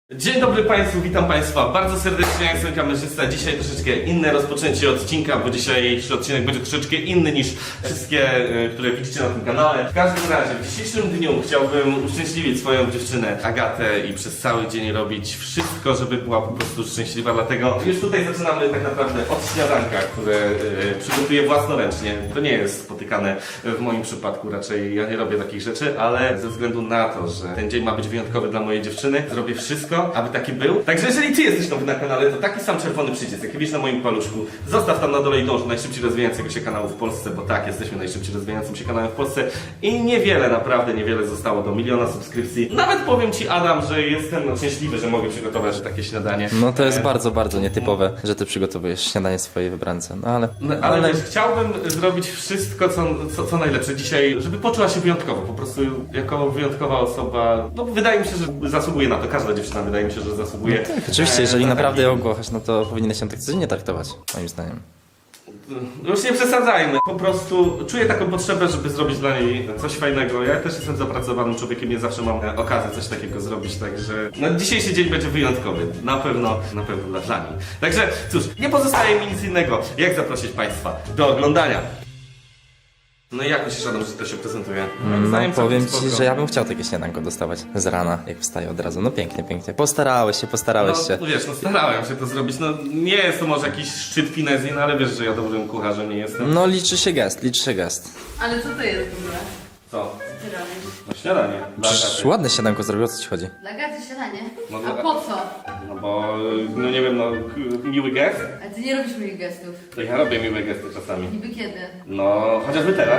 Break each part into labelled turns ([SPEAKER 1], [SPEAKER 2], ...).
[SPEAKER 1] Dzień dobry Państwu, witam Państwa bardzo serdecznie, ja jestem kamerzysta. Dzisiaj troszeczkę inne rozpoczęcie odcinka, bo dzisiejszy odcinek będzie troszeczkę inny niż wszystkie, które widzicie na tym kanale. W każdym razie, w dzisiejszym dniu chciałbym uszczęśliwić swoją dziewczynę Agatę i przez cały dzień robić wszystko, żeby była po prostu szczęśliwa. Dlatego już tutaj zaczynamy tak naprawdę od śniadanka, które przygotuję własnoręcznie. To nie jest spotykane w moim przypadku, raczej ja nie robię takich rzeczy, ale ze względu na to, że ten dzień ma być wyjątkowy dla mojej dziewczyny, zrobię wszystko, aby taki był. Także jeżeli Ty jesteś nowy na kanale, to taki sam czerwony przycisk, jaki widzisz na moim paluszku, zostaw tam na dole i dąż do najszybciej rozwijającego się kanału w Polsce, bo tak, jesteśmy najszybciej rozwijającym się kanałem w Polsce i niewiele, naprawdę niewiele zostało do 1 000 000 subskrypcji. Nawet powiem Ci, Adam, że jestem szczęśliwy, że mogę przygotować takie śniadanie.
[SPEAKER 2] No to jest bardzo nietypowe, że ty przygotowujesz śniadanie swojej wybrance, no ale...
[SPEAKER 1] Ale wiesz, chciałbym zrobić wszystko, co najlepsze dzisiaj, żeby poczuła się wyjątkowo, po prostu jako wyjątkowa osoba. No wydaje mi się, że zasługuje na to, każda dziewczyna wydaje mi się, że zasługuje.
[SPEAKER 2] Tak, oczywiście, jeżeli naprawdę ją kochasz, no to powinieneś się tak codziennie traktować, moim zdaniem.
[SPEAKER 1] Już nie przesadzajmy, po prostu czuję taką potrzebę, żeby zrobić dla niej coś fajnego. Ja też jestem zapracowanym człowiekiem, nie zawsze mam okazję coś takiego zrobić, także no, dzisiejszy dzień będzie wyjątkowy, na pewno dla niej. Także cóż, nie pozostaje mi nic innego, jak zaprosić Państwa do oglądania. No i jak myślisz, Adam, że to się prezentuje?
[SPEAKER 2] No powiem ci, że ja bym chciał takie śniadanko dostawać z rana, jak wstaję od razu. No pięknie. Postarałeś się.
[SPEAKER 1] No wiesz, no starałem się to zrobić, no nie jest to może jakiś szczyt finezji, no ale wiesz, że ja dobrym kucharzem nie jestem.
[SPEAKER 2] No liczy się gest.
[SPEAKER 3] Ale co to jest w ogóle?
[SPEAKER 1] Co?
[SPEAKER 3] Co ty robisz?
[SPEAKER 1] No śniadanie. Dla
[SPEAKER 2] Przecież
[SPEAKER 1] Agaty.
[SPEAKER 2] ładne śniadanko zrobił, o co ci chodzi?
[SPEAKER 3] Dla Gaty śniadanie?
[SPEAKER 1] No,
[SPEAKER 3] A po co?
[SPEAKER 1] No bo, no nie wiem, no miły gest?
[SPEAKER 3] A ty nie robisz moich gestów.
[SPEAKER 1] To ja robię miłe gesty czasami.
[SPEAKER 3] Niby kiedy?
[SPEAKER 1] No, chociażby teraz.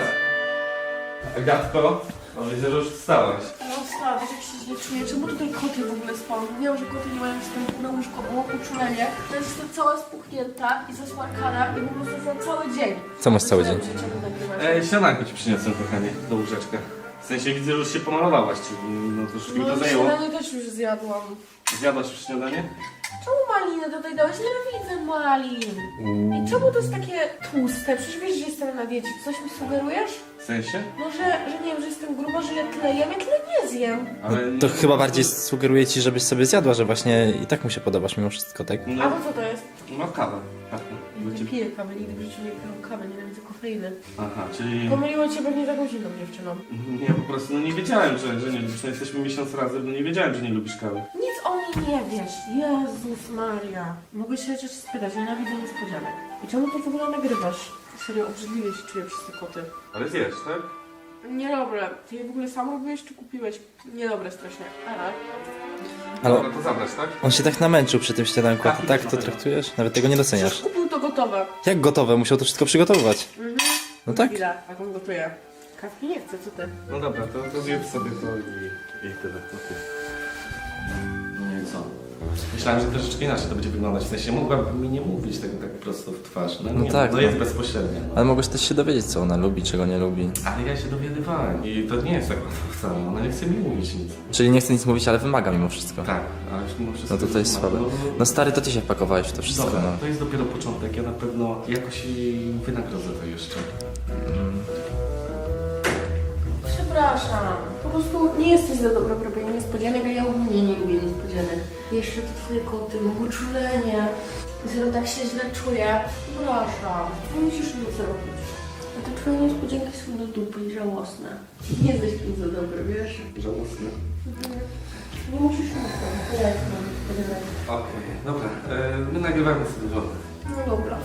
[SPEAKER 1] Agatko, no widzę, że już wstałaś.
[SPEAKER 4] No wstała, wiesz jak się źle czuję? Czemu tutaj koty w ogóle spą? Wiem, że koty nie mają wstępu na łóżko, bo mam uczulenie. To jest jestem cała spuchnięta i zasmarkana i po prostu za cały dzień.
[SPEAKER 2] Co masz cały dzień?
[SPEAKER 4] Czemu nagrywasz?
[SPEAKER 1] Śniadanko ci przyniosłem, kochanie, do łóżeczka. W sensie widzę, że już się pomalowałaś, czyli no to już mi to
[SPEAKER 4] No
[SPEAKER 1] zajęło.
[SPEAKER 4] śniadanie też już zjadłam.
[SPEAKER 1] Zjadłaś już śniadanie?
[SPEAKER 4] Czemu maliny tutaj dałeś? Nienawidzę malin. I czemu to jest takie tłuste? Przecież wiesz, że jestem na diecie. Coś mi sugerujesz?
[SPEAKER 1] W sensie?
[SPEAKER 4] No, że nie wiem, że jestem gruba, że ja tyle jem, ja tyle nie zjem.
[SPEAKER 1] Ale...
[SPEAKER 2] To chyba bardziej sugeruje ci, żebyś sobie zjadła, że właśnie i tak mu się podobasz mimo wszystko, tak?
[SPEAKER 4] A
[SPEAKER 1] No,
[SPEAKER 4] to co to jest?
[SPEAKER 1] no kawę.
[SPEAKER 4] Nie piję kawy, nigdy w życiu nie piję kawy, nienawidzę kofeiny.
[SPEAKER 1] Aha, czyli...
[SPEAKER 4] Pomyliło cię pewnie taką zimną dziewczyną.
[SPEAKER 1] Nie, po prostu no nie wiedziałem, że nie lubisz. No jesteśmy miesiąc razem, no nie wiedziałem, że nie lubisz kawy.
[SPEAKER 4] Nic o mnie nie wiesz. Jezus Maria. Mogę się chociaż spytać, nienawidzę niespodzianek. I czemu to w ogóle nagrywasz? Serio, obrzydliwie się czuję przez te koty.
[SPEAKER 1] Ale zjesz, tak?
[SPEAKER 4] Niedobre. Ty je w ogóle sam robiłeś czy kupiłeś? Niedobre strasznie. Ale...
[SPEAKER 2] Ale
[SPEAKER 1] Dobra, to zabrać, tak?
[SPEAKER 2] on się tak namęczył przy tym śniadanku, a ty tak to traktujesz? Nawet tego nie doceniasz.
[SPEAKER 4] Przecież kupił to gotowe.
[SPEAKER 2] Jak gotowe? Musiał to wszystko przygotować. No tak?
[SPEAKER 4] Chwila, jak on gotuje. Kawki nie chcę, co ty?
[SPEAKER 1] No dobra, to zjedz sobie to i tyle. To ty. No i co? Myślałem, że troszeczkę inaczej to będzie wyglądać. W sensie mogłaby mi nie mówić tego tak prosto w twarz. No,
[SPEAKER 2] No
[SPEAKER 1] nie,
[SPEAKER 2] tak,
[SPEAKER 1] to
[SPEAKER 2] no.
[SPEAKER 1] jest bezpośrednie. No.
[SPEAKER 2] Ale mogłeś też się dowiedzieć, co ona lubi, czego nie lubi.
[SPEAKER 1] Ale ja się dowiadywałem i to nie jest tak łatwo wcale. Ona nie chce mi mówić nic.
[SPEAKER 2] Czyli nie chce nic mówić, ale wymaga mimo wszystko.
[SPEAKER 1] Tak, ale mimo wszystko...
[SPEAKER 2] No to jest słabe. No stary, to ty się wpakowałeś w to wszystko,
[SPEAKER 1] Dobra,
[SPEAKER 2] no.
[SPEAKER 1] to jest dopiero początek. Ja na pewno jakoś jej wynagrodzę to jeszcze.
[SPEAKER 4] Przepraszam. Po prostu nie jesteś za dobra w robieniu niespodzianek, a ja ogólnie nie lubię niespodzianek. Jeszcze te twoje koty, mam uczulenie. Zero tak się źle czuję. Przepraszam. Nie musisz nic zrobić. A te twoje niespodzianki są do dupy i żałosne. Nie jesteś tym za dobry, wiesz?
[SPEAKER 1] Żałosne.
[SPEAKER 4] Nie musisz nic zrobić. Ja jestem niespodzianek.
[SPEAKER 1] Okej, dobra. My nagrywamy sobie żonę.
[SPEAKER 4] No dobra.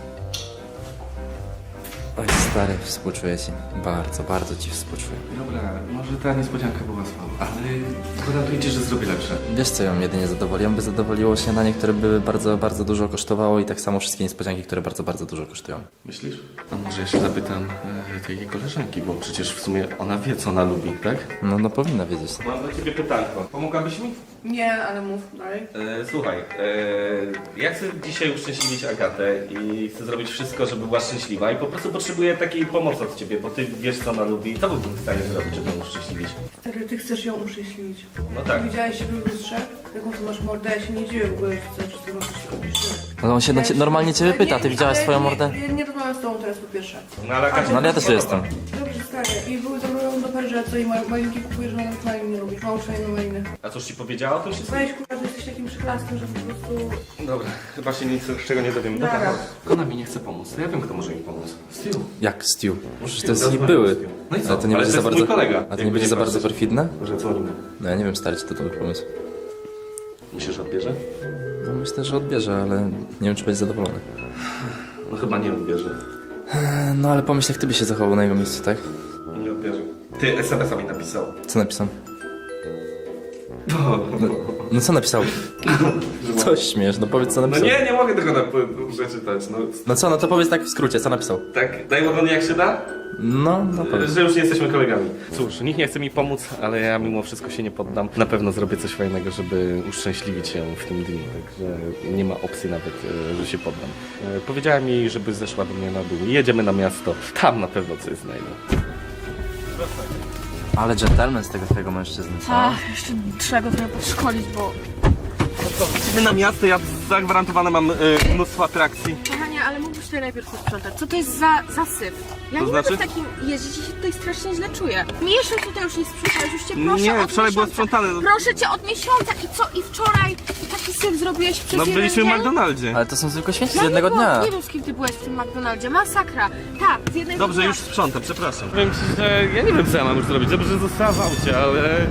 [SPEAKER 2] Oj, stary, współczuję ci. Bardzo ci współczuję.
[SPEAKER 1] Dobra, może ta niespodzianka była słaba, ale gwarantuję ci, że zrobię lepsze.
[SPEAKER 2] Wiesz, co ją jedynie zadowoli? Ją by zadowoliło śniadanie, które by bardzo dużo kosztowało i tak samo wszystkie niespodzianki, które bardzo dużo kosztują.
[SPEAKER 1] Myślisz? A może ja się zapytam tej jej koleżanki, bo przecież w sumie ona wie, co ona lubi, tak?
[SPEAKER 2] No powinna wiedzieć.
[SPEAKER 1] Mam dla ciebie pytanko. Pomogłabyś mi?
[SPEAKER 4] Nie, ale mów dalej.
[SPEAKER 1] Słuchaj, ja chcę dzisiaj uszczęśliwić Agatę i chcę zrobić wszystko, żeby była szczęśliwa i po prostu potrzebuję takiej pomocy od ciebie, bo ty wiesz, co ona lubi. Co byłbym w stanie zrobić, żeby ją uszczęśliwić?
[SPEAKER 4] Stary, ty chcesz ją uszczęśliwić.
[SPEAKER 1] No tak.
[SPEAKER 4] Widziałeś siebie w lustrze? Jaką ty masz mordę? Ja się nie dziwię w ogóle, że chcesz z tego coś robić.
[SPEAKER 2] No on się normalnie ciebie pyta, ty widziałaś swoją mordę?
[SPEAKER 4] Nie rozmawiam z tobą teraz po pierwsze.
[SPEAKER 1] No ale Agacie...
[SPEAKER 2] No ale ja też jestem.
[SPEAKER 4] Dobrze, Stary, i były zabrałem do Perżeco i malinki kupujesz, że nawet malin nie lubisz. Mało szajne maliny.
[SPEAKER 1] A coś ci powiedziała o tym wszystkim?
[SPEAKER 4] Weź kurwa, że jesteś takim przyklaskiem, że po prostu...
[SPEAKER 1] Dobra, chyba się nic z czego nie dowiemy.
[SPEAKER 4] Dobra.
[SPEAKER 1] Dobra, ona mi nie chce pomóc. Ja wiem, kto może mi pomóc. Stu.
[SPEAKER 2] Jak Stu? Przecież to jest
[SPEAKER 1] Stu,
[SPEAKER 2] ich były.
[SPEAKER 1] No i co?
[SPEAKER 2] Ale to nie
[SPEAKER 1] Ale
[SPEAKER 2] będzie
[SPEAKER 1] to
[SPEAKER 2] za
[SPEAKER 1] jest
[SPEAKER 2] bardzo...
[SPEAKER 1] mój kolega.
[SPEAKER 2] A to nie
[SPEAKER 1] Jakby
[SPEAKER 2] będzie
[SPEAKER 1] nie
[SPEAKER 2] za bardzo
[SPEAKER 1] patrzeć.
[SPEAKER 2] perfidne?
[SPEAKER 1] Może dzwonimy.
[SPEAKER 2] No ja nie wiem, stary, czy to dobry pomysł.
[SPEAKER 1] Myślisz, że odbierze?
[SPEAKER 2] No myślę, że odbierze, ale nie wiem, czy będzie zadowolony.
[SPEAKER 1] No chyba nie odbierze.
[SPEAKER 2] No ale pomyśl, jak ty byś się zachował na jego miejscu, tak?
[SPEAKER 1] Nie odbierze. Ty SMS-a mi napisał.
[SPEAKER 2] Co napisał? No co napisał? Coś śmiesz, no powiedz co
[SPEAKER 1] No
[SPEAKER 2] napisał.
[SPEAKER 1] nie mogę tego przeczytać. No,
[SPEAKER 2] No co, no to powiedz tak w skrócie, co napisał?
[SPEAKER 1] tak, daj ładnie jak się da?
[SPEAKER 2] No powiedz.
[SPEAKER 1] Że już nie jesteśmy kolegami. Cóż, nikt nie chce mi pomóc, ale ja mimo wszystko się nie poddam. Na pewno zrobię coś fajnego, żeby uszczęśliwić się w tym dniu, także nie ma opcji nawet, że się poddam. Powiedziałem jej, żeby zeszła do mnie na dół. Jedziemy na miasto. Tam na pewno coś znajdę.
[SPEAKER 2] Ale dżentelmen z tego twojego mężczyzny, co?
[SPEAKER 4] jeszcze trzeba go trochę podszkolić, bo...
[SPEAKER 1] Jedziemy na miasto, ja zagwarantowane mam mnóstwo atrakcji.
[SPEAKER 4] Kochanie, ale mógłbyś tutaj najpierw posprzątać. Co to jest za zasyp? Ja
[SPEAKER 1] To
[SPEAKER 4] nie
[SPEAKER 1] znaczy?
[SPEAKER 4] mogę w takim jeździć i się tutaj strasznie źle czuję. Miesiąc tutaj już nie sprzątałeś, już cię proszę
[SPEAKER 1] Nie,
[SPEAKER 4] od
[SPEAKER 1] wczoraj było
[SPEAKER 4] miesiąca.
[SPEAKER 1] sprzątane.
[SPEAKER 4] Proszę cię od miesiąca i co? I wczoraj taki syf zrobiłeś przez
[SPEAKER 1] No
[SPEAKER 4] jeden
[SPEAKER 1] byliśmy w
[SPEAKER 4] dzień?
[SPEAKER 1] McDonaldzie.
[SPEAKER 2] Ale to są zwykłe święci z
[SPEAKER 4] Ja
[SPEAKER 2] jednego
[SPEAKER 4] nie byłam,
[SPEAKER 2] dnia.
[SPEAKER 4] nie wiem z kim ty byłeś w tym McDonaldzie, masakra. Tak, z jednego
[SPEAKER 1] Dobrze,
[SPEAKER 4] dnia.
[SPEAKER 1] już sprzątam, przepraszam. Powiem ci, że ja nie wiem co ja mam już zrobić. Dobrze, że została w aucie, ale...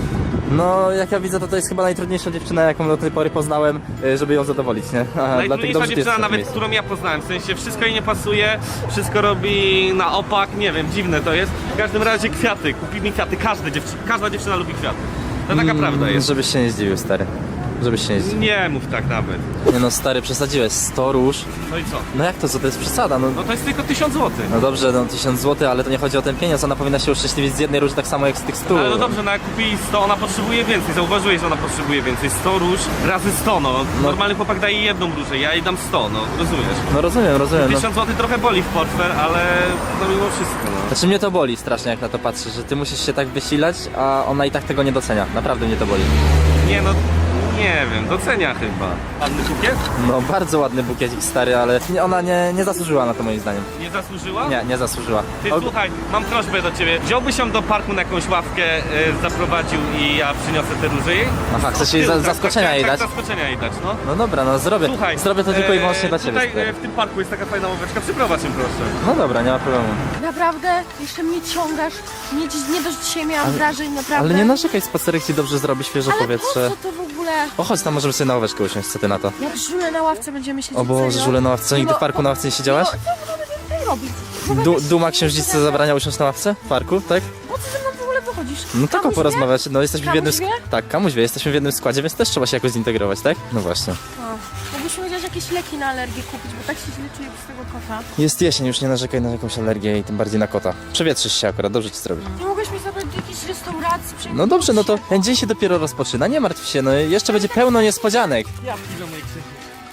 [SPEAKER 2] No, jak ja widzę, to jest chyba najtrudniejsza dziewczyna, jaką do tej pory poznałem, żeby ją zadowolić, nie? A dlatego
[SPEAKER 1] Najtrudniejsza
[SPEAKER 2] dobrze, że ty
[SPEAKER 1] dziewczyna
[SPEAKER 2] jesteś w
[SPEAKER 1] nawet,
[SPEAKER 2] miejscu.
[SPEAKER 1] którą ja poznałem, w sensie wszystko jej nie pasuje, wszystko robi na opak, nie wiem, dziwne to jest. W każdym razie kwiaty, kupi mi kwiaty, każda dziewczyna lubi kwiaty. To taka prawda jest.
[SPEAKER 2] Żebyś się nie zdziwił, stary. Żebyś się nie zdziwił.
[SPEAKER 1] Nie mów tak nawet.
[SPEAKER 2] Nie no, stary, przesadziłeś. 100 róż.
[SPEAKER 1] No i co?
[SPEAKER 2] No jak to, co to jest przesada? No,
[SPEAKER 1] No to jest tylko 1000 zł.
[SPEAKER 2] no dobrze, no 1000 zł, ale to nie chodzi o ten pieniądz. Ona powinna się uszczęśliwić z jednej róży tak samo jak z tych 100.
[SPEAKER 1] Ale no dobrze, no jak kupi 100, ona potrzebuje więcej. Zauważyłeś, że ona potrzebuje więcej. 100 róż razy 100, no. Normalny chłopak daje jedną różę, ja jej dam 100, no. Rozumiesz?
[SPEAKER 2] No rozumiem. No.
[SPEAKER 1] 1000 zł trochę boli w portfel, ale no mimo wszystko, no.
[SPEAKER 2] Znaczy mnie to boli strasznie, jak na to patrzę, że ty musisz się tak wysilać, a ona i tak tego nie docenia. Naprawdę mnie to boli.
[SPEAKER 1] Nie no, nie wiem, docenia chyba. Ładny bukiet?
[SPEAKER 2] No bardzo ładny bukiecik, stary, ale ona nie zasłużyła na to moim zdaniem.
[SPEAKER 1] Nie zasłużyła?
[SPEAKER 2] Nie zasłużyła.
[SPEAKER 1] Ty słuchaj, mam prośbę do ciebie. Wziąłbyś ją do parku na jakąś ławkę, zaprowadził i ja przyniosę te róże jej?
[SPEAKER 2] Aha, chcesz jej zaskoczenia jej dać?
[SPEAKER 1] Zaskoczenia jej dać, no.
[SPEAKER 2] No dobra, no zrobię.
[SPEAKER 1] Słuchaj,
[SPEAKER 2] Zrobię to tylko i wyłącznie dla ciebie.
[SPEAKER 1] Tutaj
[SPEAKER 2] stary.
[SPEAKER 1] w tym parku jest taka fajna ławeczka, przyprowadź ją proszę.
[SPEAKER 2] No dobra, nie ma problemu.
[SPEAKER 4] Naprawdę? Jeszcze mnie ciągasz? Nie dość dzisiaj miałam wrażeń, naprawdę.
[SPEAKER 2] Ale nie narzekaj, spacerek ci dobrze zrobi, świeże
[SPEAKER 4] Ale
[SPEAKER 2] powietrze.
[SPEAKER 4] po co to w ogóle?
[SPEAKER 2] O, chodź tam, możemy sobie na ławeczkę usiąść, co ty na to?
[SPEAKER 4] Jak żule na ławce będziemy siedzieć.
[SPEAKER 2] O Boże,
[SPEAKER 4] serio?
[SPEAKER 2] żule na ławce, nigdy
[SPEAKER 4] No
[SPEAKER 2] w parku na ławce nie siedziałaś?
[SPEAKER 4] Co będziemy tutaj robić?
[SPEAKER 2] Duma księżniczce zabrania usiąść na ławce w parku, tak?
[SPEAKER 4] Po co ze mną w ogóle wychodzisz?
[SPEAKER 2] No tylko
[SPEAKER 4] Kamuś
[SPEAKER 2] porozmawiać, no jesteśmy w jednym...
[SPEAKER 4] Kamuś wie?
[SPEAKER 2] Tak, kamuś wie, jesteśmy w jednym składzie, więc też trzeba się jakoś zintegrować, tak? No właśnie.
[SPEAKER 4] O, mógłbyśmy chociaż jakieś leki na alergię kupić, bo tak się źle czuję z tego kota.
[SPEAKER 2] Jest jesień, już nie narzekaj na jakąś alergię i tym bardziej na kota. Przewietrzysz się akurat, dobrze ci zrobi.
[SPEAKER 4] Nie mogłeś mnie zabrać do jakiejś restauracji?
[SPEAKER 2] No dobrze, no to ten dzień się dopiero rozpoczyna, nie martw się, no jeszcze będzie pełno niespodzianek.
[SPEAKER 1] Ja piszę moje krzyki.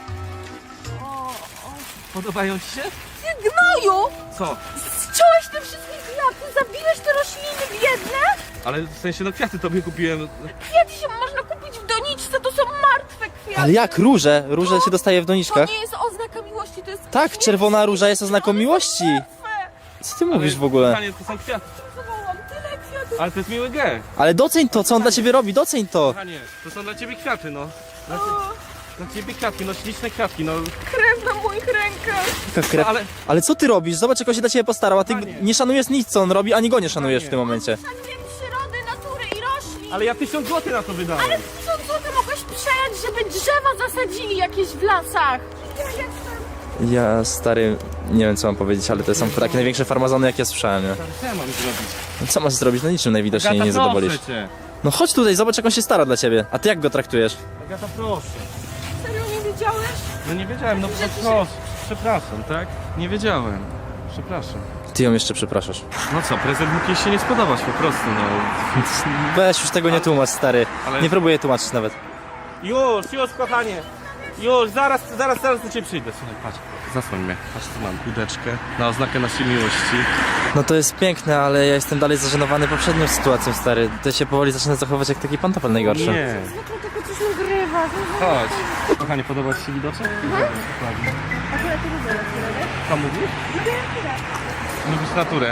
[SPEAKER 1] Podobają ci się?
[SPEAKER 4] Ty gnoju!
[SPEAKER 1] Co?
[SPEAKER 4] Zciąłeś te wszystkie kwiaty, zabiłeś te rośliny biedne?
[SPEAKER 1] Ale w sensie, no kwiaty tobie kupiłem.
[SPEAKER 4] Kwiaty się można kupić w doniczce, to są martwe kwiaty.
[SPEAKER 2] Ale jak róże? Róże się dostaje w
[SPEAKER 4] To
[SPEAKER 2] doniczkach?
[SPEAKER 4] nie jest oznaka miłości, to jest...
[SPEAKER 2] Tak, czerwona róża jest oznaką miłości. Co ty mówisz w ogóle?
[SPEAKER 1] Panie, to są kwiaty.
[SPEAKER 4] Zawołam tyle kwiatów.
[SPEAKER 1] Ale to jest miły gest.
[SPEAKER 2] Ale doceń to, co on dla ciebie robi, doceń to.
[SPEAKER 1] Panie, to są dla ciebie kwiaty, no. Dla ciebie kwiatki, no śliczne kwiatki, no.
[SPEAKER 4] Krew na moich rękach.
[SPEAKER 2] Taka krew.
[SPEAKER 1] Ale
[SPEAKER 2] Ale co ty robisz? Zobacz, jak on się dla ciebie postarał, a ty
[SPEAKER 1] Panie.
[SPEAKER 2] nie szanujesz nic, co on robi, ani go nie szanujesz w tym momencie.
[SPEAKER 4] Szanuję przyrody, natury i roślin.
[SPEAKER 1] Ale ja 1000 zł na to wydałem.
[SPEAKER 4] Ale 1000 zł mogłeś przejąć, żeby drzewa zasadzili jakieś w lasach. Ja jestem...
[SPEAKER 2] Ja, stary, nie wiem co mam powiedzieć, ale to są takie największe farmazony, jakie słyszałem, nie?
[SPEAKER 1] Co ja mam zrobić?
[SPEAKER 2] No co masz zrobić? No niczym najwidoczniej
[SPEAKER 1] Agata,
[SPEAKER 2] nie zadowolisz.
[SPEAKER 1] proszę cię.
[SPEAKER 2] No chodź tutaj, zobacz, jak on się stara dla ciebie. A ty jak go traktujesz?
[SPEAKER 1] Agata, proszę.
[SPEAKER 4] Serio nie wiedziałeś?
[SPEAKER 1] No nie wiedziałem, no proszę. Przepraszam, tak? Nie wiedziałem. Przepraszam.
[SPEAKER 2] Ty ją jeszcze przepraszasz.
[SPEAKER 1] No co, prezent mógł jej się nie spodobać po prostu, no.
[SPEAKER 2] Weź, już tego nie tłumacz, stary.
[SPEAKER 1] Ale-
[SPEAKER 2] Nie próbuję tłumaczyć nawet.
[SPEAKER 1] Już, kochanie. Już, zaraz do ciebie przyjdę. Słuchaj, patrz. Zasłoń mnie. Patrz, tu mam kudeczkę na oznakę naszej miłości.
[SPEAKER 2] No to jest piękne, ale ja jestem dalej zażenowany poprzednią sytuacją, stary. Ty się powoli zaczyna zachowywać jak taki pantofel najgorszy.
[SPEAKER 1] Nie.
[SPEAKER 4] Zwykle tylko coś nagrywa.
[SPEAKER 1] Chodź. Kochanie, podoba ci się widoczek? Dokładnie.
[SPEAKER 4] Akurat to lubię naturę,
[SPEAKER 1] Co mówisz? Lubisz naturę.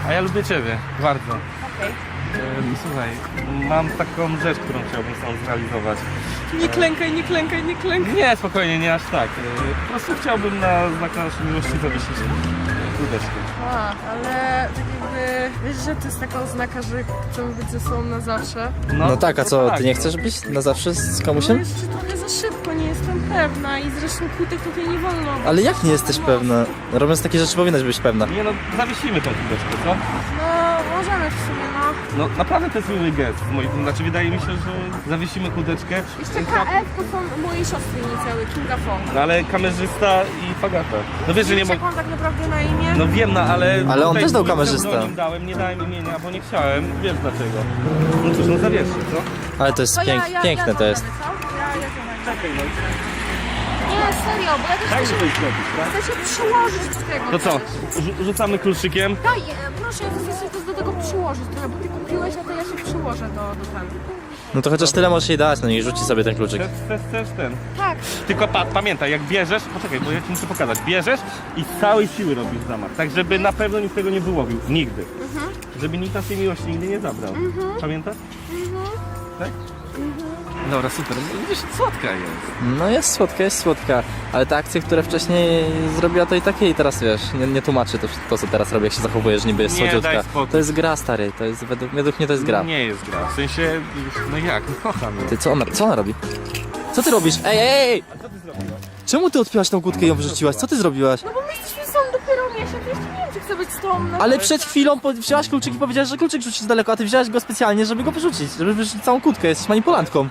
[SPEAKER 1] A ja lubię ciebie, bardzo.
[SPEAKER 4] Okej.
[SPEAKER 1] Słuchaj, mam taką rzecz, którą chciałbym sam zrealizować.
[SPEAKER 4] Nie klękaj, nie klękaj, nie klękaj.
[SPEAKER 1] Nie, spokojnie, nie aż tak. Po prostu chciałbym na znak naszej miłości zawiesić kółdeczkę.
[SPEAKER 4] A, ale tak jakby, wiesz, że to jest taka oznaka, że chcemy być ze sobą na zawsze.
[SPEAKER 2] No tak, a co,
[SPEAKER 1] tak.
[SPEAKER 2] ty nie chcesz być na zawsze z
[SPEAKER 4] No
[SPEAKER 2] komusiem?
[SPEAKER 4] jeszcze trochę za szybko, nie jestem pewna i zresztą kłótek tutaj nie wolno.
[SPEAKER 2] Ale jak nie jesteś pewna? Robiąc takie rzeczy powinnaś być pewna.
[SPEAKER 1] Nie no, zawiesimy tą kółdeczkę, co?
[SPEAKER 4] No, możemy w sumie, no.
[SPEAKER 1] No naprawdę to jest miły gest. Znaczy wydaje mi się, że zawiesimy kółdeczkę.
[SPEAKER 4] Jeszcze KF to są mojej siostry inicjały, Kinga Fong.
[SPEAKER 1] No ale kamerzysta i Fagata. No wiesz, że nie
[SPEAKER 4] Wiesz,
[SPEAKER 1] mogę...
[SPEAKER 4] jak mam tak naprawdę na imię?
[SPEAKER 1] No wiem, no ale...
[SPEAKER 2] Ale on
[SPEAKER 1] tutaj
[SPEAKER 2] też dał
[SPEAKER 1] z
[SPEAKER 2] kamerzysta.
[SPEAKER 1] pseudonimem dałem, nie dałem imienia, bo nie chciałem. Wiesz dlaczego. No cóż, no zawieszę, co?
[SPEAKER 2] Ale to jest
[SPEAKER 4] To
[SPEAKER 2] piękne to jest.
[SPEAKER 4] co? Ja
[SPEAKER 1] Czekaj, no.
[SPEAKER 4] Nie, serio, bo ja też
[SPEAKER 1] Daj mi
[SPEAKER 4] chcę
[SPEAKER 1] coś zrobić, tak?
[SPEAKER 4] chcę się przyłożyć do tego.
[SPEAKER 1] To co?
[SPEAKER 4] też.
[SPEAKER 1] Rzucamy kluczykiem.
[SPEAKER 4] Daj, proszę, ja chcę coś do tego przyłożyć trochę, bo ty kupiłeś, a to ja się przyłożę do tego.
[SPEAKER 2] No to chociaż tyle możesz jej dać, no niech rzuci sobie ten kluczyk.
[SPEAKER 1] Chcesz ten.
[SPEAKER 4] Tak.
[SPEAKER 1] Tylko pamiętaj, jak bierzesz, poczekaj, bo ja ci muszę pokazać. Bierzesz i z całej siły robisz zamach. Tak, żeby na pewno nikt tego nie wyłowił. Nigdy. Żeby nikt naszej miłości nigdy nie zabrał. Pamiętasz? Tak? Dobra, super. Widzisz, słodka jest.
[SPEAKER 2] No jest słodka, ale te akcje, które wcześniej zrobiła, to i takie i teraz wiesz, nie tłumaczy to co teraz robi, jak się zachowujesz, niby jest
[SPEAKER 1] Nie,
[SPEAKER 2] słodziutka.
[SPEAKER 1] daj spokój.
[SPEAKER 2] To jest gra, stary, to jest według mnie to jest gra.
[SPEAKER 1] Nie jest gra. W sensie, no jak, no kocham ją.
[SPEAKER 2] Ty, co ona robi? Co ty robisz? Ej!
[SPEAKER 1] A co ty zrobiłaś?
[SPEAKER 2] Czemu ty odpiłaś tą kłódkę i ją wyrzuciłaś? Co ty zrobiłaś?
[SPEAKER 4] No bo my jesteśmy są dopiero miesiąc, jeszcze nie wiem, czy chcę być z tobą na
[SPEAKER 2] Ale przed chwilą wzięłaś kluczyk i powiedziałaś, że kluczyk rzucisz daleko, a ty wzięłaś go specjalnie, żeby go wyrzucić, żeby wyrzucić całą kłódkę, jesteś manipulantką.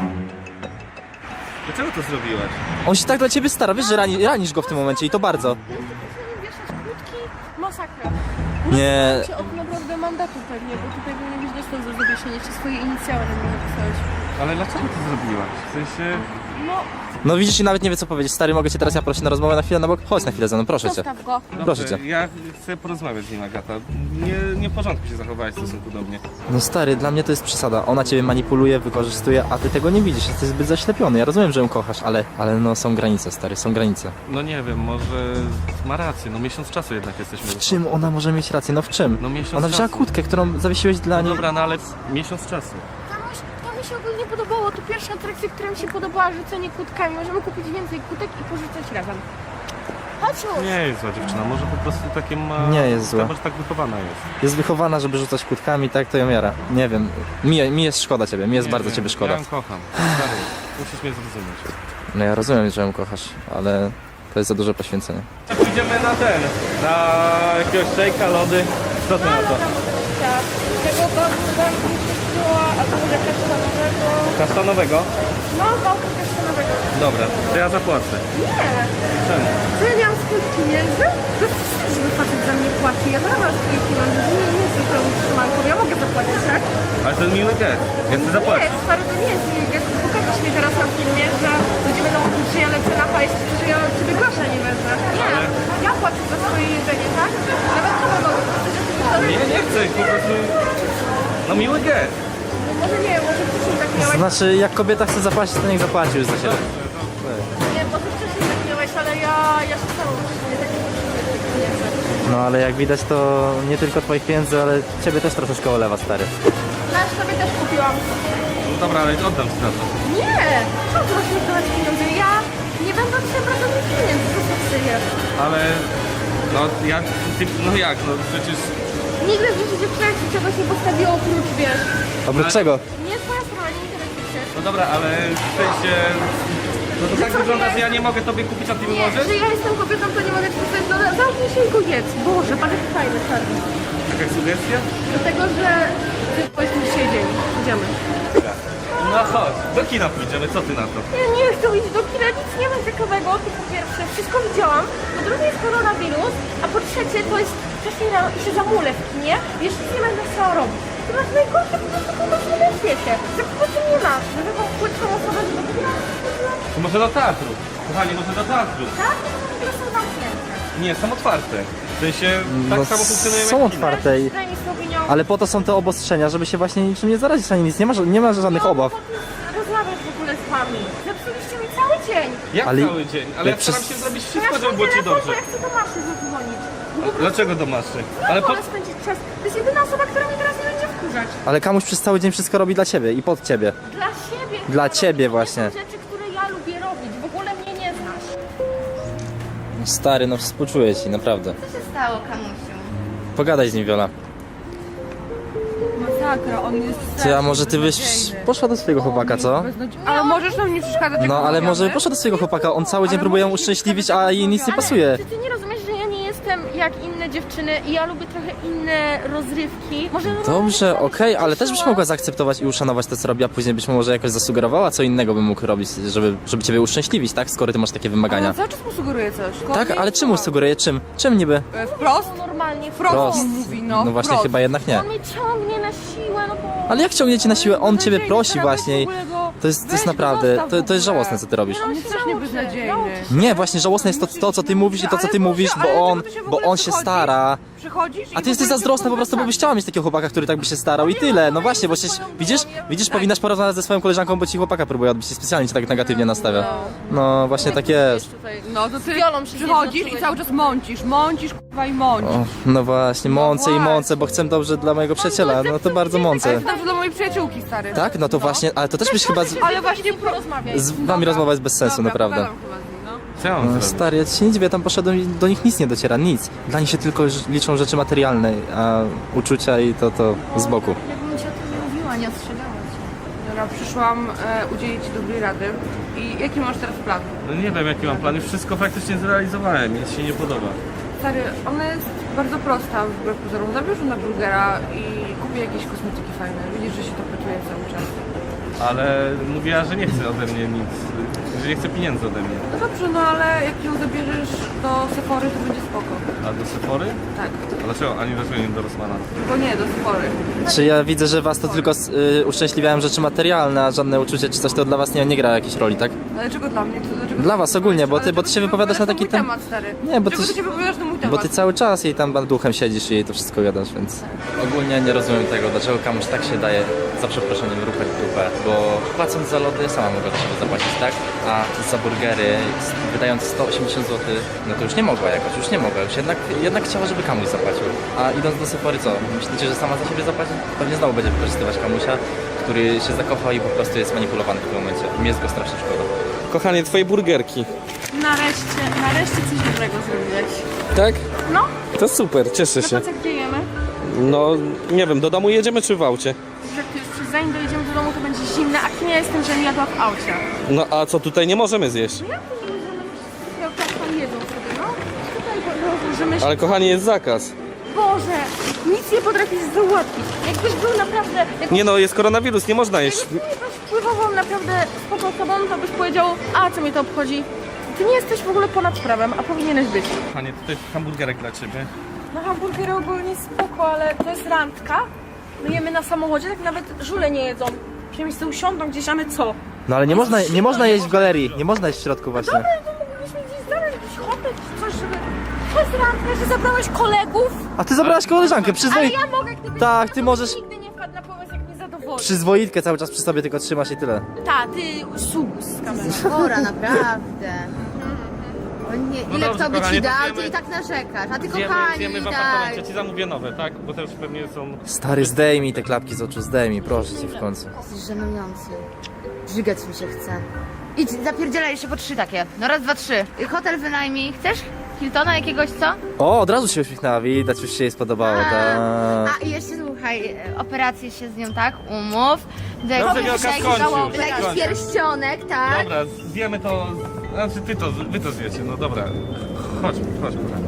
[SPEAKER 1] Dlaczego to zrobiłaś?
[SPEAKER 2] On się tak dla ciebie stara, wiesz, że ranisz go w tym momencie i to bardzo.
[SPEAKER 4] wieszać krótki, masakra.
[SPEAKER 2] Nie,
[SPEAKER 4] Cię od naprawdę mandatu pewnie, bo tutaj powinien być dostęp za zawieszenie, czy swoje inicjały na mnie napisałeś.
[SPEAKER 1] Ale dlaczego to zrobiłaś? W sensie...
[SPEAKER 4] No,
[SPEAKER 2] no widzisz i nawet nie wie co powiedzieć. Stary, mogę cię teraz ja prosić na rozmowę na chwilę na bok? Chodź na chwilę ze mną, proszę cię.
[SPEAKER 4] zostaw go.
[SPEAKER 2] Proszę cię.
[SPEAKER 1] Ja chcę porozmawiać z nim, Agata. Nie w porządku się zachowałaś w stosunku do mnie.
[SPEAKER 2] No stary, dla mnie to jest przesada. Ona ciebie manipuluje, wykorzystuje, a ty tego nie widzisz. Jesteś zbyt zaślepiony. Ja rozumiem, że ją kochasz, ale no są granice, stary, są granice.
[SPEAKER 1] No nie wiem, może ma rację, no miesiąc czasu jednak jesteśmy.
[SPEAKER 2] W czym ona może mieć rację? No w czym?
[SPEAKER 1] No miesiąc
[SPEAKER 2] Ona wzięła
[SPEAKER 1] czasu.
[SPEAKER 2] kłódkę, którą zawiesiłeś dla niej.
[SPEAKER 1] Dobra, no ale miesiąc czasu.
[SPEAKER 4] To mi się ogólnie podobało, to pierwsza atrakcja, która mi się podobała, rzucenie kłódkami. Możemy kupić więcej kłódek i porzucać razem. Chodź już.
[SPEAKER 1] Nie jest zła dziewczyna, może po prostu takie ma...
[SPEAKER 2] Nie jest zła.
[SPEAKER 1] Może tak wychowana jest.
[SPEAKER 2] Jest wychowana, żeby rzucać kłódkami, tak to ją jara. Nie wiem, mi jest szkoda ciebie, mi jest
[SPEAKER 1] Nie
[SPEAKER 2] bardzo
[SPEAKER 1] wiem,
[SPEAKER 2] ciebie szkoda.
[SPEAKER 1] Ja ją kocham. Stary, musisz mnie zrozumieć.
[SPEAKER 2] No ja rozumiem, że ją kochasz, ale to jest za duże poświęcenie.
[SPEAKER 1] Pójdziemy na jakiegoś szejka, lody. Co ty na to?
[SPEAKER 4] Tego bałtyku była, albo może kasztanowego.
[SPEAKER 1] Kasztanowego?
[SPEAKER 4] No, bałtyk kasztanowego.
[SPEAKER 1] Dobra, to ja zapłacę.
[SPEAKER 4] Nie,
[SPEAKER 1] Czemu?
[SPEAKER 4] to ja nie mam swoich pieniędzy? To jest wstyd, żeby facet za mnie płaci. Ja nawet mam swoich pieniędzy, nie jestem pełną trzymanką. Ja mogę zapłacić, tak?
[SPEAKER 1] Ale to jest miły gest. Ja chcę
[SPEAKER 4] Nie,
[SPEAKER 1] zapłacić.
[SPEAKER 4] stary, to nie jest miły gest. Pokażesz mi teraz na filmie, że ludzie będą mówić, że ja lecę na hajs, że ja od ciebie grosza nie wezmę. Nie,
[SPEAKER 1] Ale-
[SPEAKER 4] ja płacę za swoje jedzenie, tak? Nawet to mogę.
[SPEAKER 1] Nie chcę, po prostu... No miły gest.
[SPEAKER 4] Może nie, może wcześniej tak miałeś.
[SPEAKER 2] Znaczy, jak kobieta chce zapłacić, to niech zapłaci już za siebie.
[SPEAKER 4] Nie, może wcześniej tak miałeś, ale ja się stało nie tak pieniędzy.
[SPEAKER 2] No ale jak widać, to nie tylko twoich pieniędzy, ale ciebie też troszeczkę olewa, stary.
[SPEAKER 4] Nasz sobie też kupiłam.
[SPEAKER 1] No dobra, ale oddam ci za to.
[SPEAKER 4] Nie! Co ty masz mi dawać pieniądze? Ja nie będę od ciebie brać pieniędzy, co ty przyjesz?
[SPEAKER 1] Ale... No ja... No jak, no przecież...
[SPEAKER 4] Nigdy w życiu dziewczyna ci czegoś nie postawiło oprócz, wiesz.
[SPEAKER 2] Oprócz
[SPEAKER 1] Ale-
[SPEAKER 2] czego?
[SPEAKER 4] Nie twoja sprawa, nie interesuje się.
[SPEAKER 1] No dobra, ale w sensie... No to
[SPEAKER 4] Że
[SPEAKER 1] tak
[SPEAKER 4] co,
[SPEAKER 1] wygląda,
[SPEAKER 4] nie?
[SPEAKER 1] że ja nie mogę tobie kupić, a ty mi
[SPEAKER 4] Nie,
[SPEAKER 1] możesz?
[SPEAKER 4] że ja jestem kobietą, to nie mogę ci postawić. No zamknij się i go jedz. Boże, patrz jaki fajny czarny.
[SPEAKER 1] Jakaś sugestia?
[SPEAKER 4] Dlatego, że ty powiedzmy dzisiaj dzień. Idziemy.
[SPEAKER 1] No chodź, do kina pójdziemy, co ty na to?
[SPEAKER 4] Ja nie chcę iść do kina, nic nie ma ciekawego, to po pierwsze, wszystko widziałam, po drugie jest koronawirus, a po trzecie to jest wcześniej rano i się zamulę w kinie, wiesz, nic nie będę chciała robić. Ty masz najgorsze po prostu pomysły na świecie, że po prostu nie masz, żeby tą płytką osobę do kina,
[SPEAKER 1] To może do teatru. Kochani, może do teatru.
[SPEAKER 4] tak? To są zamknięte.
[SPEAKER 1] Nie, są otwarte. W sensie tak
[SPEAKER 2] No,
[SPEAKER 1] samo funkcjonują
[SPEAKER 2] są
[SPEAKER 1] jak kina.
[SPEAKER 2] otwarte i...
[SPEAKER 4] Daj mi słowinią.
[SPEAKER 2] Ale po to są te obostrzenia, żeby się właśnie niczym nie zarazić, ani nic. Nie ma żadnych obaw.
[SPEAKER 4] Rozmawiać w ogóle z wami. Zepsuliście mi cały dzień.
[SPEAKER 1] Jak
[SPEAKER 2] Ale-
[SPEAKER 1] cały dzień? Ale ja
[SPEAKER 2] jak
[SPEAKER 1] staram
[SPEAKER 2] przez-
[SPEAKER 1] się zrobić
[SPEAKER 4] Ja
[SPEAKER 1] wszystko, żeby było ci
[SPEAKER 4] telefon,
[SPEAKER 1] dobrze.
[SPEAKER 4] bo ja chcę do Maszy zadzwonić.
[SPEAKER 1] Dlaczego do maszy? Ale po...
[SPEAKER 4] Wolę spędzić czas. To jest jedyna osoba, która mnie teraz nie będzie wkurzać.
[SPEAKER 2] Ale Kamuś przez cały dzień wszystko robi dla ciebie i pod ciebie.
[SPEAKER 4] Dla siebie.
[SPEAKER 2] Dla
[SPEAKER 4] chcę
[SPEAKER 2] ciebie
[SPEAKER 4] robić.
[SPEAKER 2] właśnie.
[SPEAKER 4] To są rzeczy, które ja lubię robić. W ogóle mnie nie znasz.
[SPEAKER 2] No stary, no współczuję ci, naprawdę.
[SPEAKER 3] Co się stało, Kamusiu?
[SPEAKER 2] Pogadaj z nim, Wiola.
[SPEAKER 5] Masakra, on jest
[SPEAKER 2] Ty, a może ty byś poszła do swojego chłopaka, co?
[SPEAKER 5] Ale możesz nam nie przeszkadzać, jak
[SPEAKER 2] No, ale
[SPEAKER 5] rozmawiamy?
[SPEAKER 2] może poszła do swojego chłopaka, on cały dzień próbuje ją uszczęśliwić, a jej nic nie pasuje.
[SPEAKER 4] Czy ty nie rozumiesz, że ja nie jestem jak inne dziewczyny i ja lubię trochę inne rozrywki? Może
[SPEAKER 2] Dobrze, okej, ale też byś mogła zaakceptować i uszanować to, co robi, a później byś może jakoś zasugerowała, co innego bym mógł robić, żeby ciebie uszczęśliwić, tak? Skoro ty masz takie
[SPEAKER 5] Ale
[SPEAKER 2] wymagania.
[SPEAKER 5] cały czas mu sugeruje coś.
[SPEAKER 2] Tak, ale czemu sugeruje? Czym? Czym niby?
[SPEAKER 5] Wprost?
[SPEAKER 4] normalnie
[SPEAKER 5] Wprost on mówi, no.
[SPEAKER 2] No właśnie,
[SPEAKER 5] wprost.
[SPEAKER 2] chyba jednak nie.
[SPEAKER 4] On mnie ciągnie na siłę, no bo...
[SPEAKER 2] Ale jak ciągnie cię na siłę? On ciebie
[SPEAKER 5] Beznadziejny,
[SPEAKER 2] prosi
[SPEAKER 5] teraz
[SPEAKER 2] właśnie.
[SPEAKER 5] w ogóle go-
[SPEAKER 2] To jest
[SPEAKER 5] weź go
[SPEAKER 2] naprawdę,
[SPEAKER 5] zostaw w
[SPEAKER 2] to jest
[SPEAKER 5] ogóle.
[SPEAKER 2] żałosne, co ty robisz.
[SPEAKER 5] On jest strasznie beznadziejny.
[SPEAKER 2] Nie, właśnie żałosne jest to, co ty mówisz i to, co ty mówisz, bo on się stara.
[SPEAKER 5] Przychodzisz i
[SPEAKER 2] A ty jesteś zazdrosna po prostu, bo byś chciała mieć takiego chłopaka, który tak by się starał i tyle. No właśnie, bo się, widzisz, powinnaś porozmawiać ze swoją koleżanką, bo ci chłopaka próbuje odbić i specjalnie cię tak negatywnie nastawia. No właśnie tak jest.
[SPEAKER 5] No to ty
[SPEAKER 4] Wiolą się
[SPEAKER 5] przychodzisz
[SPEAKER 4] zjednoczyłeś.
[SPEAKER 5] i cały czas mącisz, kurwa i mącisz.
[SPEAKER 2] O, no właśnie, mącę i mącę, bo chcę dobrze dla mojego przyjaciela, no to bardzo
[SPEAKER 5] Ale
[SPEAKER 2] mącę.
[SPEAKER 5] to dobrze dla mojej przyjaciółki, stary.
[SPEAKER 2] Tak? No to właśnie, ale to też byś chyba
[SPEAKER 5] Ale właśnie
[SPEAKER 4] porozmawiać.
[SPEAKER 2] z wami rozmowa jest bez sensu,
[SPEAKER 5] Dobra,
[SPEAKER 2] naprawdę.
[SPEAKER 5] pogadam chyba z nim, no.
[SPEAKER 1] Co ja mam
[SPEAKER 2] No,
[SPEAKER 1] zrobić?
[SPEAKER 2] stary, ja ci się nie dziwię, tam poszedłem i do nich nic nie dociera, nic. Dla nich się tylko liczą rzeczy materialne, a uczucia i to z boku.
[SPEAKER 3] Jakbym ci o tym nie mówiła, nie ostrzegała cię.
[SPEAKER 5] Dobra, przyszłam udzielić ci dobrej rady. I jaki masz teraz plan?
[SPEAKER 1] No nie wiem jaki mam plan, już wszystko praktycznie zrealizowałem, nic się nie podoba.
[SPEAKER 5] Stary, ona jest bardzo prosta wbrew pozorom. Zabierz ją na burgera i kupię jakieś kosmetyki fajne. Widzisz, że się to pracuje cały czas.
[SPEAKER 1] Ale mówiła, że nie chce ode mnie nic, że nie chce pieniędzy ode mnie.
[SPEAKER 5] No dobrze, no ale jak ją zabierzesz do Sephory, to będzie spoko.
[SPEAKER 1] A do Sephory?
[SPEAKER 5] Tak.
[SPEAKER 1] A dlaczego? Ani dlaczego nie do Rossmana?
[SPEAKER 5] Bo nie, do Sephory.
[SPEAKER 2] Czy ja widzę, że was to tylko uszczęśliwiają rzeczy materialne, a żadne uczucie czy coś to dla was nie gra jakiejś roli, tak?
[SPEAKER 5] Dlaczego dla mnie? Dlaczego
[SPEAKER 2] Dla was ogólnie, bo ty się wypowiadasz na taki
[SPEAKER 5] temat, stary.
[SPEAKER 2] Nie, bo
[SPEAKER 5] Dlaczego
[SPEAKER 2] ty-
[SPEAKER 5] ty się wypowiadasz na mój temat?
[SPEAKER 2] Bo ty cały czas jej tam duchem siedzisz i jej to wszystko gadasz, więc... Ogólnie nie rozumiem tego, dlaczego komuś tak się daje, za przeproszeniem, rupę w dupę, bo płacąc za lody sama mogła do siebie zapłacić, tak? A za burgery, wydając 180 zł, no to już nie mogła jakoś, już nie mogła, już jednak chciała, żeby Kamuś zapłacił. A idąc do Sephory, co? Myślicie, że sama za siebie zapłaci? Pewnie znowu będzie wykorzystywać Kamusia, który się zakochał i po prostu jest manipulowany w tym momencie. Mi jest go strasznie szkoda.
[SPEAKER 1] Kochanie, twoje burgerki.
[SPEAKER 4] Nareszcie coś dobrego zrobiłeś.
[SPEAKER 1] Tak?
[SPEAKER 4] No.
[SPEAKER 1] To super, cieszę się.
[SPEAKER 4] Co gdzie jemy?
[SPEAKER 1] No, nie wiem, do domu jedziemy czy w aucie?
[SPEAKER 4] Żartujesz, przecież zanim dojedziemy do domu, to będzie zimne, a kim ja jestem, że nie jadła w aucie?
[SPEAKER 1] No a co tutaj nie możemy zjeść?
[SPEAKER 4] Ja tak tam jedzą sobie, no. Tutaj rozłożymy się.
[SPEAKER 1] Ale kochanie, jest zakaz.
[SPEAKER 4] Boże, nic nie potrafisz załatwić. Jakbyś był naprawdę...
[SPEAKER 1] Nie no, jest koronawirus, nie można jeść.
[SPEAKER 4] Jakbyś wpływową naprawdę spoko osobą, to byś powiedział, a co mnie to obchodzi? Ty nie jesteś w ogóle ponad prawem, a powinieneś być.
[SPEAKER 1] Kochanie, tutaj hamburgerek dla ciebie.
[SPEAKER 4] No hamburgery ogólnie spoko, ale to jest randka. My jemy na samochodzie, tak nawet żule nie jedzą. Przynajmniej sobie usiądą gdzieś, a my co?
[SPEAKER 2] No ale nie można jeść w galerii, nie można jeść w środku właśnie.
[SPEAKER 4] Dobra, to moglibyśmy gdzieś znaleźć jakiś hotel czy coś, żeby... To jest randka, że zabrałeś kolegów,
[SPEAKER 2] A ty zabrałaś koleżankę,
[SPEAKER 4] ale ja mogę, gdybyś
[SPEAKER 2] Tak, ty możesz-
[SPEAKER 4] nigdy nie wpadł na pomysł, jak mnie zadowoli.
[SPEAKER 2] Przyzwoitkę cały czas przy sobie tylko trzymasz i tyle.
[SPEAKER 4] Ta, ty sus z kamerą.
[SPEAKER 3] Chora, naprawdę. O nie, ile
[SPEAKER 1] dobrze,
[SPEAKER 3] kto by
[SPEAKER 1] kochanie,
[SPEAKER 3] ci
[SPEAKER 1] to
[SPEAKER 3] dał,
[SPEAKER 1] zjemy.
[SPEAKER 3] to i tak narzekasz. A ty kochani,
[SPEAKER 1] Zjemy w
[SPEAKER 3] tak.
[SPEAKER 1] apartamencie, ja ci zamówię nowe, tak? Bo te już pewnie są...
[SPEAKER 2] Stary, zdejmij te klapki z oczu, zdejmij, proszę cię w końcu.
[SPEAKER 3] Jesteś żenujący. Żygać mi się chce. Idź, zapierdzielaj jeszcze po 3 takie. No raz, dwa, 3. Hotel wynajmij. Chcesz? Hiltona jakiegoś, co?
[SPEAKER 2] O, od razu się uśmiechnęła, widać, już się jej spodobało, tak.
[SPEAKER 3] A i jeszcze słuchaj, operację się z nią, tak? Umów. Do
[SPEAKER 1] Dobrze,
[SPEAKER 3] jakiś
[SPEAKER 1] Wielka, skończył.
[SPEAKER 3] jakiś pierścionek, tak?
[SPEAKER 1] Dobra, zjemy to... Znaczy wy to zjecie, no dobra. Chodź, kochanie.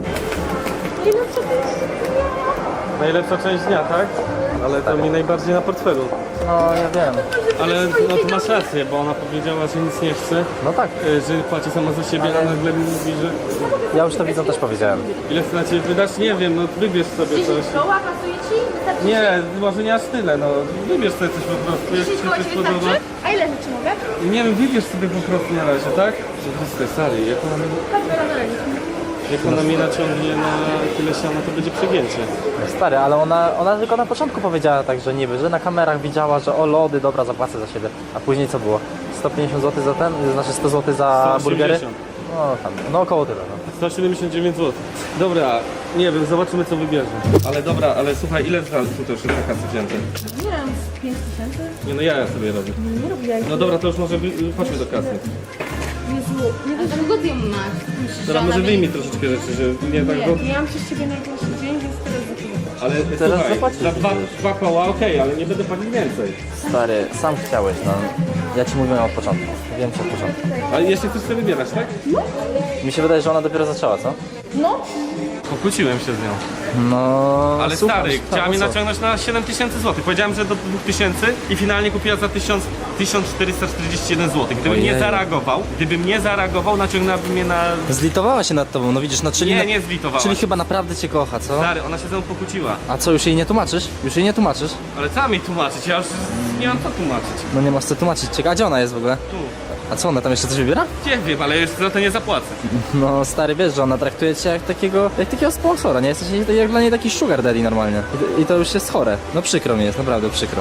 [SPEAKER 1] Najlepsza część dnia, tak? Ale to mi najbardziej na portfelu.
[SPEAKER 2] No, ja wiem.
[SPEAKER 1] Ale no to masz rację, bo ona powiedziała, że nic nie chce,
[SPEAKER 2] No tak,
[SPEAKER 1] że płaci sama za siebie, a nagle mi mówi, że
[SPEAKER 2] ja już to widzą też powiedziałem.
[SPEAKER 1] ile chce na ciebie wydać, nie wiem, no wybierz sobie coś.
[SPEAKER 4] Koła pasuje ci? Wystarczy
[SPEAKER 1] Nie, może nie aż tyle, no wybierz sobie coś po prostu, jak
[SPEAKER 4] 10
[SPEAKER 1] ci
[SPEAKER 4] koła
[SPEAKER 1] coś
[SPEAKER 4] ci
[SPEAKER 1] podoba.
[SPEAKER 4] wystarczy? A ile rzeczy mogę?
[SPEAKER 1] Nie wiem, wybierz sobie po prostu na razie, tak? Że wszystko jest stary, jak ona...
[SPEAKER 6] Jak ona mnie naciągnie na tyle siana, to będzie przegięcie.
[SPEAKER 2] Stary, ale ona tylko na początku powiedziała tak, że niby, że na kamerach widziała, że o lody, dobra, zapłacę za siebie. A później co było? 150 zł za ten? Znaczy 100 zł za
[SPEAKER 6] 180.
[SPEAKER 2] burgery? No tam, no około tyle, no.
[SPEAKER 6] 179 zł. Dobra, nie wiem, zobaczymy co wybierze.
[SPEAKER 1] Ale dobra, ale słuchaj, ile trwa tu też na kasy wzięte?
[SPEAKER 4] Nie wiem, z 5000?
[SPEAKER 6] Nie no, ja sobie robię.
[SPEAKER 4] Nie robię jak...
[SPEAKER 6] No dobra, to już może chodźmy do kasy.
[SPEAKER 4] Jezu, nie
[SPEAKER 3] A długo ty ją masz?
[SPEAKER 6] Dobra, może wyjmij troszeczkę rzeczy, że nie tak go...
[SPEAKER 4] ja mam przez ciebie najgorszy dzień, więc teraz zaczynam.
[SPEAKER 6] Ale
[SPEAKER 2] Teraz
[SPEAKER 6] słuchaj,
[SPEAKER 2] zapłacisz.
[SPEAKER 6] za dwa koła okej, ale nie będę płacić więcej.
[SPEAKER 2] Stary, sam chciałeś, no. Ja ci mówiłem od początku. Wiem ci od początku.
[SPEAKER 6] Ale jeszcze chcesz sobie wybierać, tak?
[SPEAKER 2] Mi się wydaje, że ona dopiero zaczęła, co?
[SPEAKER 4] No,
[SPEAKER 1] Pokłóciłem się z nią.
[SPEAKER 2] No...
[SPEAKER 1] Ale
[SPEAKER 2] super,
[SPEAKER 1] stary, chciała mnie
[SPEAKER 2] co?
[SPEAKER 1] naciągnąć na 7000 zł. Powiedziałem, że do 2000 i finalnie kupiła za 1441 zł. Gdybym nie
[SPEAKER 2] Ojej.
[SPEAKER 1] zareagował, naciągnęłaby mnie na...
[SPEAKER 2] Zlitowała się nad tobą, no widzisz, no czyli...
[SPEAKER 1] Nie, nie zlitowała
[SPEAKER 2] Czyli
[SPEAKER 1] się.
[SPEAKER 2] chyba naprawdę cię kocha, co?
[SPEAKER 1] Stary, ona się ze mną pokłóciła.
[SPEAKER 2] A co, już jej nie tłumaczysz? Już jej nie tłumaczysz?
[SPEAKER 1] Ale co mi tłumaczyć? Ja już nie mam co tłumaczyć.
[SPEAKER 2] No nie masz co tłumaczyć. Ciekawe, a gdzie ona jest w ogóle?
[SPEAKER 1] Tu.
[SPEAKER 2] A co, ona tam jeszcze coś wybiera?
[SPEAKER 1] Nie wiem, ale już za to nie zapłacę.
[SPEAKER 2] No stary, wiesz, że ona traktuje cię jak takiego sponsora, nie? Jesteś jak dla niej taki sugar daddy normalnie. I to już jest chore. No przykro mi jest, naprawdę przykro.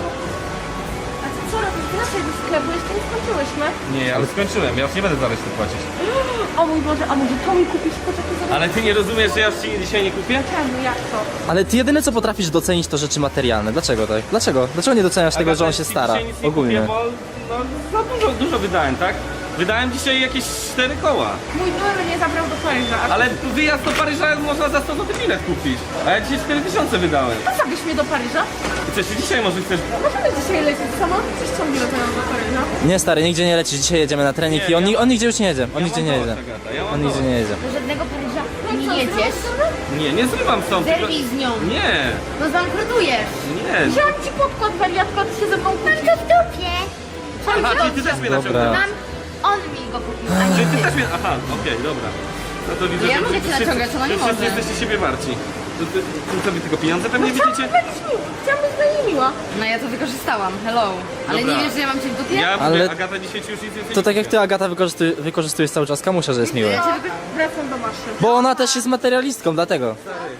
[SPEAKER 4] a ty co robisz? Wracaj do sklepu, jeszcze nie skończyłyśmy.
[SPEAKER 1] Nie, ale skończyłem, ja już nie będę za resztę płacić.
[SPEAKER 4] O mój Boże, a może to mi kupisz? Poczekaj, zobacz.
[SPEAKER 1] Ale ty nie rozumiesz, że ja już ci dzisiaj nie kupię?
[SPEAKER 4] Czemu, jak to?
[SPEAKER 2] Ale ty jedyne co potrafisz docenić to rzeczy materialne. Dlaczego tak? Dlaczego? Dlaczego nie doceniasz tego, że on się stara?
[SPEAKER 1] Dzisiaj nic nie
[SPEAKER 2] Ogólnie.
[SPEAKER 1] Kupię, bo no, za dużo wydałem, tak? Wydałem dzisiaj jakieś 4 koła.
[SPEAKER 4] Mój były mnie zabrał do Paryża, a
[SPEAKER 1] Ale wyjazd do Paryża można za 100 zł bilet kupić. A ja dzisiaj 4000 wydałem.
[SPEAKER 4] ty zabierz mnie do Paryża?
[SPEAKER 1] I co, jeszcze dzisiaj może chcesz...
[SPEAKER 4] Możemy dzisiaj lecieć sama? Coś ciągnie do Paryża.
[SPEAKER 2] Nie stary, nigdzie nie lecisz. Dzisiaj jedziemy na trening
[SPEAKER 1] Nie,
[SPEAKER 2] i on,
[SPEAKER 1] ja-
[SPEAKER 2] on nigdzie już nie jedzie. On
[SPEAKER 1] Ja
[SPEAKER 2] nigdzie
[SPEAKER 1] mam
[SPEAKER 2] nie
[SPEAKER 1] dość,
[SPEAKER 2] jedzie.
[SPEAKER 1] Agata, ja mam
[SPEAKER 2] On nigdzie
[SPEAKER 1] dość.
[SPEAKER 2] nie jedzie.
[SPEAKER 3] Do żadnego Paryża nie jedziesz.
[SPEAKER 1] Nie, nie zrywam stąd. tylko-
[SPEAKER 3] Zerwij z nią.
[SPEAKER 1] Nie,
[SPEAKER 3] No zbankrutujesz.
[SPEAKER 1] nie.
[SPEAKER 4] Wziąłem ci podkład, wariatka, ty się ze mną kłócisz.
[SPEAKER 3] To w dupie.
[SPEAKER 1] Aha, czyli ty też mnie
[SPEAKER 2] Dobra.
[SPEAKER 1] naciągnęłaś.
[SPEAKER 3] Mam... On mi go kupił, a
[SPEAKER 1] Czyli
[SPEAKER 3] nie
[SPEAKER 1] ty
[SPEAKER 3] ty.
[SPEAKER 1] też mnie... Aha, okej, dobra. No to widzę,
[SPEAKER 3] Ja
[SPEAKER 1] że
[SPEAKER 3] mogę cię
[SPEAKER 1] wszyscy-
[SPEAKER 3] naciągać, ona nie
[SPEAKER 1] że wszyscy
[SPEAKER 3] może.
[SPEAKER 1] jesteście siebie marci. To sobie tylko pieniądze pewnie widzicie?
[SPEAKER 4] Chciałam być dla niej miła.
[SPEAKER 3] No ja to wykorzystałam, hello. Ale
[SPEAKER 1] Dobra.
[SPEAKER 3] nie wiesz, że ja mam cię w dupie?
[SPEAKER 1] Ja mówię,
[SPEAKER 2] Ale-
[SPEAKER 1] Agata dzisiaj ci już nic więcej
[SPEAKER 2] To
[SPEAKER 1] nie
[SPEAKER 2] tak jak
[SPEAKER 1] kupię.
[SPEAKER 2] ty, Agata, wykorzystujesz cały czas kamusia, że jest miły.
[SPEAKER 3] Ja cię
[SPEAKER 4] Wracam do maszyny.
[SPEAKER 2] Bo ona też jest materialistką, dlatego.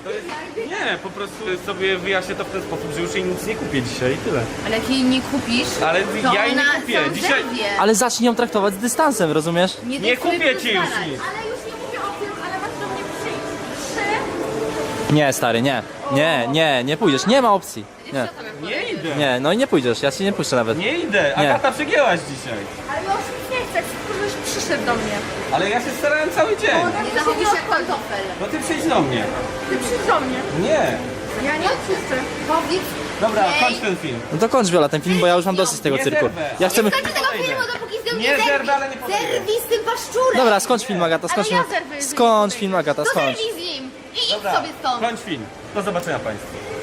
[SPEAKER 1] Nie, po prostu sobie wyjaśnię to w ten sposób, że już jej nic nie kupię dzisiaj i tyle.
[SPEAKER 3] Ale jak jej nie kupisz,
[SPEAKER 1] Ale
[SPEAKER 3] to
[SPEAKER 1] ja jej nie
[SPEAKER 3] ona
[SPEAKER 1] kupię.
[SPEAKER 3] sam
[SPEAKER 1] Dzisiaj-
[SPEAKER 3] zerwie.
[SPEAKER 2] Ale zacznij ją traktować z dystansem, rozumiesz?
[SPEAKER 1] Nie
[SPEAKER 3] daj sobie
[SPEAKER 1] kupię ci już
[SPEAKER 3] pozwalać.
[SPEAKER 1] nic.
[SPEAKER 4] Ale już nie mówię o tym, ale masz do mnie przyjść.
[SPEAKER 2] Nie, stary, nie. Nie pójdziesz. Nie ma opcji. Nie.
[SPEAKER 1] Nie idę.
[SPEAKER 2] Nie, no i nie pójdziesz, ja cię nie puszczę nawet.
[SPEAKER 1] Nie idę.
[SPEAKER 2] Nie.
[SPEAKER 1] Agata przegięłaś dzisiaj.
[SPEAKER 4] Ale ja już nic nie chcę, chcę, żebyś przyszedł do mnie.
[SPEAKER 1] Ale ja się starałem cały dzień.
[SPEAKER 3] Nie zachowuj się jak pantofel.
[SPEAKER 1] No ty przyjdź do mnie.
[SPEAKER 4] Ty przyjdź do mnie.
[SPEAKER 1] Nie.
[SPEAKER 4] Ja nie odpuszczę.
[SPEAKER 3] Powiedz
[SPEAKER 1] Dobra,
[SPEAKER 3] jej.
[SPEAKER 1] kończ ten film.
[SPEAKER 2] No to kończ Wiola ten film, bo ja już mam dosyć tego
[SPEAKER 1] Nie
[SPEAKER 2] cyrku.
[SPEAKER 1] zerwę.
[SPEAKER 2] Ja chcę...
[SPEAKER 3] Nie skończę tego filmu, dopóki z nią
[SPEAKER 1] Nie
[SPEAKER 3] nie zerwi.
[SPEAKER 1] zerwę, ale nie podejdę.
[SPEAKER 3] Zerwij z tym paszczurem.
[SPEAKER 2] Dobra, skończ film, Agata, skończ
[SPEAKER 3] Ale
[SPEAKER 2] film.
[SPEAKER 3] ja zerwę, jeżeli
[SPEAKER 2] Skończ
[SPEAKER 3] nie
[SPEAKER 2] film, Agata,
[SPEAKER 3] To
[SPEAKER 2] skończ.
[SPEAKER 3] zerwij z nim. I idź
[SPEAKER 1] Dobra,
[SPEAKER 3] sobie stąd.
[SPEAKER 1] kończ film. Do zobaczenia Państwu.